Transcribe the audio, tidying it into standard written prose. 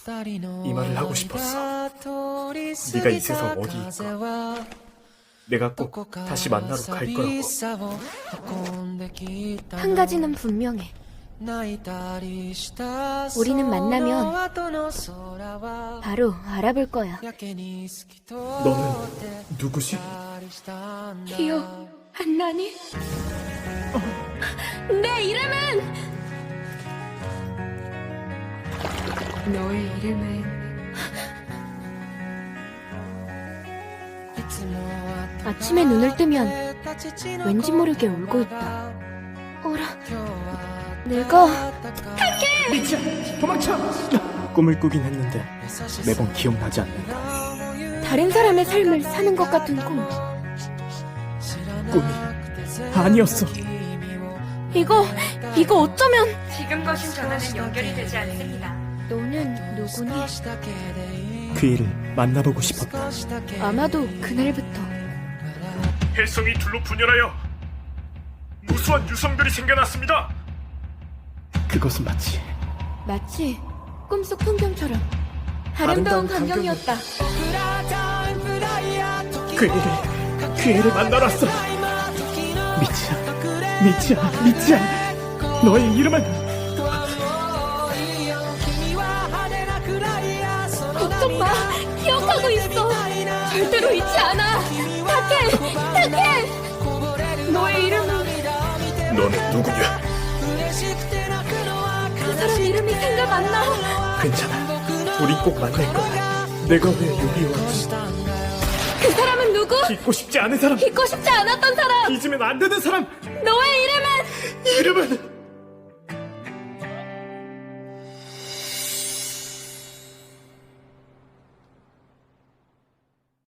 이 말을 하고 싶었어. 네가 이 세상 어디 있건 내가 꼭 다시 만나러 갈 거라고. 한 가지는 분명해. 우리는 만나면 바로 알아볼 거야. 너는 누구지? 기억 안 나니? 내 이름은 너의 이름은 아침에 눈을 뜨면 왠지 모르게 울고 있다. 어라, 내가 미치야, 도망쳐! 꿈을 꾸긴 했는데 매번 기억나지 않는다. 다른 사람의 삶을 사는 것 같은 꿈. 꿈이 아니었어. 이거 어쩌면. 지금 거신 전화는 연결이 되지 않습니다. 너는 누구니? 그 일을 만나보고 싶었다. 아마도 그날부터 혜성이 둘로 분열하여 무수한 유성들이 생겨났습니다. 그것은 마치 꿈속 풍경처럼 아름다운 광경이었다. 그 애를 만나러 왔어. 미치야. 너의 이름은 걱정 마, 기억하고 있어. 절대로 잊지 않아. 타케. 너의 이름은. 너는 누구냐? 그 사람 이름이 생각 안 나. 괜찮아. 우리 꼭 만날 거야. 내가 왜 여기 왔지? 그 사람은 누구? 잊고 싶지 않은 사람. 잊고 싶지 않았던 사람. 잊으면 안 되는 사람. 너의 이름은. 이름은